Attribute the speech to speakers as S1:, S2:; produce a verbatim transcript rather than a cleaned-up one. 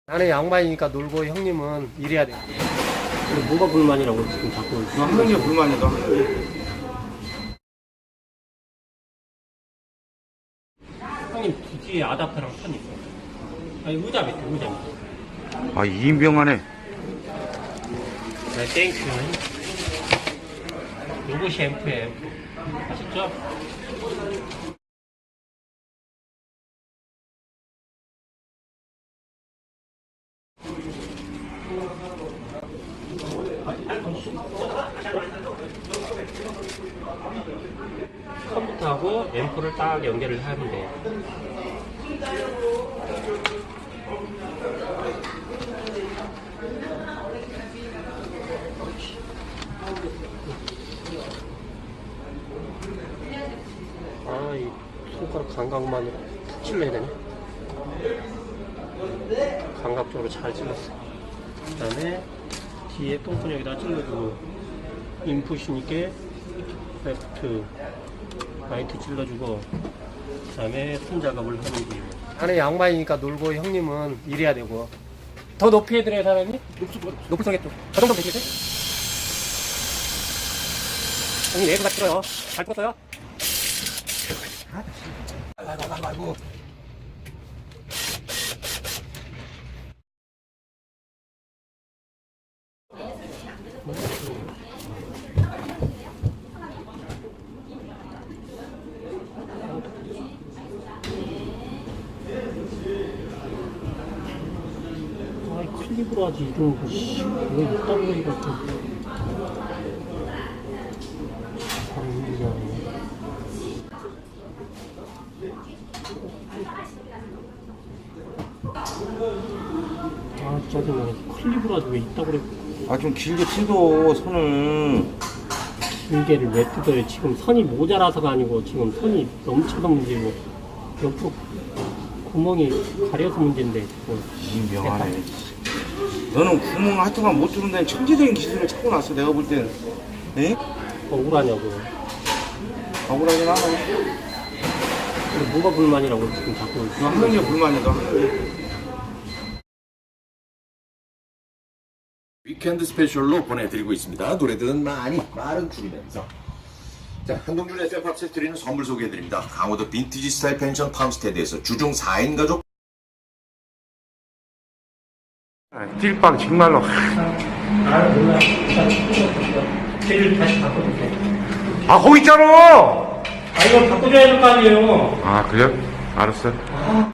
S1: 나는 양반이니까 놀고 형님은 일해야 돼.
S2: 근데 뭐가 불만이라고 지금 자꾸.
S3: 하는 게 불만이다.
S2: 형님 뒤에 아답터랑 판 있어. 아니 의자 밑에 의자 밑에.
S3: 아, 이인병하네.
S2: 네, 땡큐. 요것이 앰프예요. 아셨죠? 컴퓨터하고 앰프를 딱 연결을 하면 돼요. 아, 이 손가락 감각만으로 푹 찔러야 되네. 감각적으로 잘 찔렀어. 그 다음에 뒤에 똥끈 여기다 찔러주고, 인풋이니까 레프트, 라이트 찔러주고, 그 다음에 손 작업을 하는 거예요.
S1: 나는 양반이니까 놀고 형님은 일해야 되고. 더 높이 해드려요 사장님? 높을 서겠죠. 저 정도 되시겠어요? 형님 내부 같이 들어요. 잘 풀었어요? 아이고 아이고 아이고.
S2: 아이 클립으로 하지 이런 거 씨. 왜 이딴 거리 같은 잘 힘들잖아. 아 짜증나네. 클립으로 하지 왜 이따 그래.
S3: 아, 좀 길게 뜯어, 선을.
S2: 길게를 왜 뜯어요? 지금 선이 모자라서가 아니고 지금 선이 넘쳐서 문제고 옆으로 구멍이 가려서 문제인데 지금.
S3: 이인병하네. 너는 구멍 하여튼간 못 뚫는다는 천재적인 기술을 찾고 났어, 내가 볼 땐. 에?
S2: 억울하냐고.
S3: 억울하긴 하네.
S2: 근데 뭐가 불만이라고 지금 자꾸.
S3: 하는 게 불만이다.
S4: 위켄드 스페셜로 보내드리고 있습니다. 노래들은 많이 말은 줄이면서. 자, 한동준 에프엠팝스에서 드리는 선물 소개해드립니다. 강호도 빈티지 스타일 펜션 팜스테드에서 주중 사 인 가족
S3: 띨빵 정말로.
S2: 아 몰라. 길을 다시 바꿔줄게.
S3: 아, 거기 있잖아!
S2: 아 이거 바꿔줘야 될 거 아니에요.
S3: 아, 그래? 알았어.